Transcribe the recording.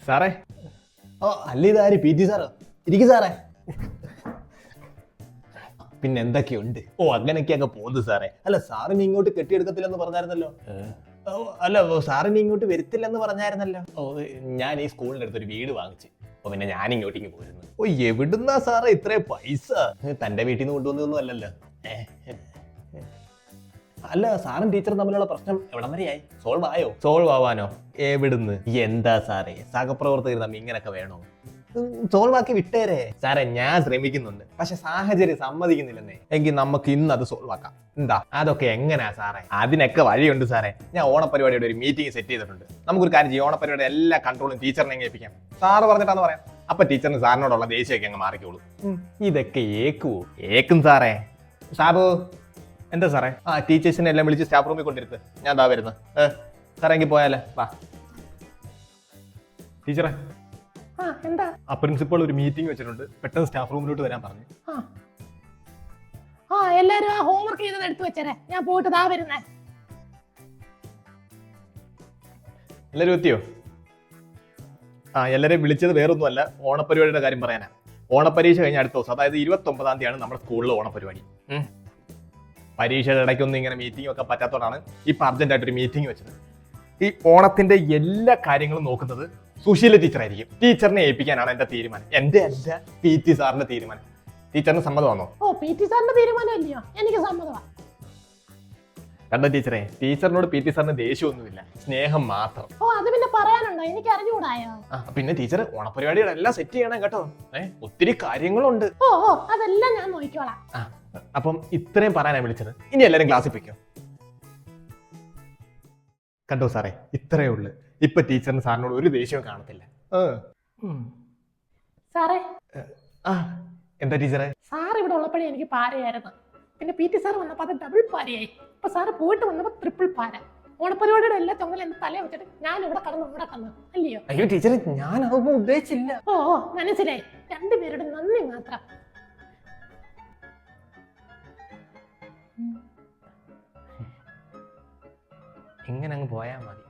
സാറേ. ഓ അല്ല, ഇതാര് പി ടി സാറോ? ഇരിക്കും സാറേ. പിന്നെ എന്തൊക്കെയുണ്ട്? ഓ അങ്ങനെയൊക്കെയൊക്കെ പോകുന്നു സാറേ. അല്ല സാറിന് ഇങ്ങോട്ട് കെട്ടിയെടുക്കത്തില്ലെന്ന് പറഞ്ഞായിരുന്നല്ലോ. അല്ല സാറിന് ഇങ്ങോട്ട് വരത്തില്ലെന്ന് പറഞ്ഞായിരുന്നല്ലോ. ഓ ഞാൻ ഈ സ്കൂളിന്റെ അടുത്തൊരു വീട് വാങ്ങിച്ചു. അപ്പൊ പിന്നെ ഞാൻ ഇങ്ങോട്ടേക്ക് പോയിരുന്നു. ഓ എവിടുന്നാ സാറേ ഇത്രയും പൈസ? തന്റെ വീട്ടിൽ നിന്ന് കൊണ്ടുവന്നൊന്നും അല്ലല്ലോ. അല്ല സാറും ടീച്ചറും തമ്മിലുള്ള പ്രശ്നം എവിടം വരെയായി? സോൾവ് ആയോ? സോൾവ് ആവാനോ? എവിടുന്ന്? എന്താ സാറേ സഹപ്രവർത്തകർ തമ്മിൽ ഇങ്ങനൊക്കെ വേണോ? സോൾവ് ആക്കി വിട്ടേരെ സാറേ. ഞാൻ ശ്രമിക്കുന്നുണ്ട്, പക്ഷെ സാഹചര്യം സമ്മതിക്കുന്നില്ലെന്നേ. എങ്കിൽ നമുക്ക് ഇന്ന് അത് സോൾവ് ആക്കാം. എന്താ അതൊക്കെ എങ്ങനെയാ സാറേ? അതിനൊക്കെ വഴിയുണ്ട് സാറേ. ഞാൻ ഓണപരിപാടിയുടെ ഒരു മീറ്റിംഗ് സെറ്റ് ചെയ്തിട്ടുണ്ട്. നമുക്കൊരു കാര്യം ചെയ്യും, ഓണപരിപാടിയുടെ എല്ലാ കൺട്രോളും ടീച്ചറിനെ ഏൽപ്പിക്കാം. സാറ് പറഞ്ഞിട്ടാന്ന് പറയാം. അപ്പൊ ടീച്ചറിന് സാറിനോടുള്ള ദേഷ്യമൊക്കെ അങ്ങ് മാറിക്കോളൂ. ഇതൊക്കെ ഏക്കുവോ? ഏക്കും സാറേ. സാബു എന്താ സാറേ? ടീച്ചേഴ്സിനെ എല്ലാം വിളിച്ച് സ്റ്റാഫ് റൂമിൽ കൊണ്ടിരുത്ത്. ഞാൻ ദാ വരുന്നത്. സാറേ എങ്കിൽ പോയാലേ വാ. ടീച്ചറെ എന്താ? പ്രിൻസിപ്പൾ ഒരു മീറ്റിംഗ് വെച്ചിട്ടുണ്ട്, പെട്ടെന്ന് സ്റ്റാഫ് റൂമിലോട്ട് വരാൻ പറഞ്ഞു. എല്ലാരും ആ ഹോംവർക്ക് ചെയ്തത് എടുത്തു വെച്ചേ, ഞാൻ പോയിട്ട് ദാ വരുന്നേ. എല്ലാരും എത്തിയോ? എല്ലാരെയും വിളിച്ചത് വേറൊന്നുമല്ല, ഓണപരിപാടിയുടെ കാര്യം പറയാനാ. ഓണപരീക്ഷ കഴിഞ്ഞ അടുത്ത ദിവസം, അതായത് 29-ാം തീയതിയാണ് നമ്മുടെ സ്കൂളിൽ ഓണപരിപാടി. പരീക്ഷയുടെ ഇടയ്ക്കൊന്നും ഇങ്ങനെ മീറ്റിംഗ് ഒക്കെ പറ്റാത്തതുകൊണ്ടാണ് ഇപ്പൊ അർജന്റായിട്ട് ഒരു മീറ്റിംഗ് വെച്ചത്. ഈ ഓണത്തിന്റെ എല്ലാ കാര്യങ്ങളും നോക്കുന്നത് സുശീല ടീച്ചർ ആയിരിക്കും. ടീച്ചറിനെ ഏൽപ്പിക്കാനാണ് എന്റെ തീരുമാനം. എന്റെ അല്ല, പി ടി സാറിന്റെ തീരുമാനം. ടീച്ചറിന് സമ്മതമാണോ? ഓ പി ടി സാറിന്റെ തീരുമാനം അല്ലയോ? എനിക്ക് സമ്മതമാണ്. കണ്ട ടീച്ചറെ, ടീച്ചറിനോട് പി ടി സാറിന് ദേഷ്യമൊന്നുമില്ല, സ്നേഹം മാത്രം. ഓ അത് പിന്നെ പറയാനുണ്ടോ? എനിക്ക് അറിഞ്ഞുകൂടായോ? പിന്നെ ടീച്ചർ ഓണപരിപാടികളെല്ലാം സെറ്റ് ചെയ്യണം കേട്ടോ. ഒത്തിരി കാര്യങ്ങളുണ്ട്. ഓ അതെല്ലാം ഞാൻ നോക്കിക്കോളാം. അപ്പം ഇത്രയും പറയാനാ വിളിച്ചത്. ഇനി എല്ലാരും ക്ലാസ്സിൽ പോയിക്കോ. കണ്ടോ സാറേ, ഇത്രയേ ഉള്ളു. ഇപ്പൊ ടീച്ചറിന് സാറിനോട് ഒരു ദേഷ്യവും കാണത്തില്ല. സാറേ. എന്താ ടീച്ചറെ? സാർ ഇവിടെ ഉള്ളപ്പോഴേ എനിക്ക് പാരയായിരുന്നു. പിന്നെ പി ടി സാർ വന്നപ്പോ അത് ഡബിൾ പാരയായി. ഇപ്പൊ സാറ് പോയിട്ട് വന്നപ്പോ ട്രിപ്പിൾ പാര. ഓണപരിപാടിയുടെ എല്ലാ ചുമലും എന്റെ തലയെ വെച്ചിട്ട് ഞാൻ ഇവിടെ കടന്നു അല്ലയോ? അയ്യോ ടീച്ചറെ, ഞാൻ അതൊന്നും ഉദ്ദേശിച്ചില്ല. ഓ മനസ്സിലായി. രണ്ടുപേരുടെ നന്ദി മാത്രം. ഇങ്ങനെ അങ്ങ് പോയാ മതി.